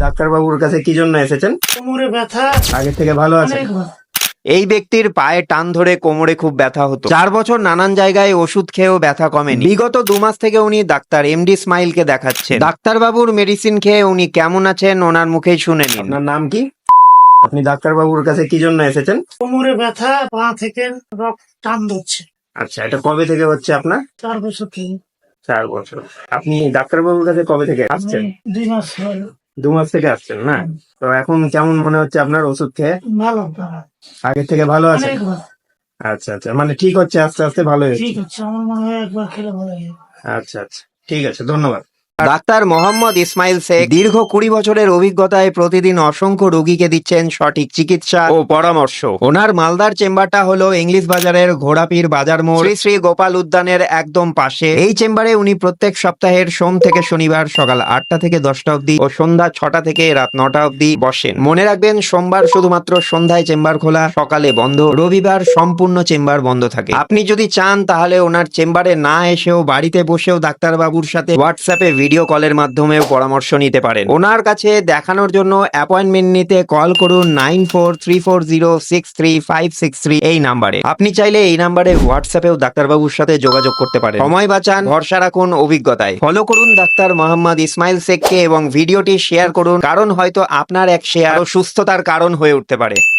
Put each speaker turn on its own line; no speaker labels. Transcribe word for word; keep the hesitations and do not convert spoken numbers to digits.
ডাক্তারবাবুর কাছে কি জন্য এসেছেন?
কোমরে ব্যথা
আগে থেকে ভালো আছে?
অনেকবার।
এই ব্যক্তির পায়ে টান ধরে কোমরে খুব ব্যথা হতো। চার বছর নানান জায়গায় ওষুধ খেয়েও ব্যথা কমেনি। বিগত দু মাস থেকে উনি ডাক্তার এমডি স্মাইলকে দেখাচ্ছেন। ডাক্তারবাবুর মেডিসিন খেয়ে উনি কেমন আছেন ওনার মুখেই শুনে নিন।
আপনার নাম কি? আপনি ডাক্তারবাবুর কাছে কি জন্য এসেছেন?
কোমরে ব্যথা, পা থেকে রক্ত টান ধরছে।
আচ্ছা, এটা কবে থেকে হচ্ছে আপনার?
চার বছর থেকে
চার বছর। আপনি ডাক্তারবাবুর কাছে কবে থেকে আসছেন?
আমি দুই মাস হলো।
দু মাস থেকে আসছেন না? তো এখন কেমন মনে হচ্ছে আপনার ওষুধ খেয়ে?
ভালো ভালো।
আগে থেকে ভালো আছে?
অনেকবার।
আচ্ছা আচ্ছা, মানে ঠিক হচ্ছে, আস্তে আস্তে ভালো হচ্ছে।
ঠিক আছে, আমার মনে হয় একবার খেলে ভালো লাগে।
আচ্ছা আচ্ছা, ঠিক আছে, ধন্যবাদ।
ডাক্তার মোহাম্মদ ইসমাইল শেখ দীর্ঘ কুড়ি বছরের অভিজ্ঞতায় প্রতিদিন অসংখ্য রোগীকে দিচ্ছেন সঠিক চিকিৎসা ও পরামর্শ। ওনার মালদার চেম্বারটা হলো ইংলিশ বাজারের ঘোড়াপীর বাজার মোড়, শ্রী শ্রী গোপাল উদ্যানের একদম পাশে। এই চেম্বারে উনি প্রত্যেক সপ্তাহের সোম থেকে শনিবার সকাল আটটা থেকে দশটা অবধি ও সন্ধ্যা ছটা থেকে রাত নটা অবধি বসেন। মনে রাখবেন, সোমবার শুধুমাত্র সন্ধ্যায় চেম্বার খোলা, সকালে বন্ধ। রবিবার সম্পূর্ণ চেম্বার বন্ধ থাকে। আপনি যদি চান তাহলে ওনার চেম্বারে না এসেও বাড়িতে বসেও ডাক্তারবাবুর সাথে হোয়াটসঅ্যাপে ভিডিও কলের মাধ্যমেও পরামর্শ নিতে পারেন। ওনার কাছে দেখানোর জন্য অ্যাপয়েন্টমেন্ট নিতে কল করুন nine four three four zero six three five six three এই নাম্বারে। আপনি চাইলে এই নাম্বারে হোয়াটসঅ্যাপেও ডাক্তারবাবুর সাথে যোগাযোগ করতে পারেন। সময় বাঁচান, ভরসা রাখুন অভিজ্ঞতায়। ফলো করুন ডাক্তার মোহাম্মদ ইসমাইল শেখকে এবং ভিডিওটি শেয়ার করুন, কারণ হয়তো আপনার এক শেয়ার সুস্থতার কারণ হয়ে উঠতে পারে।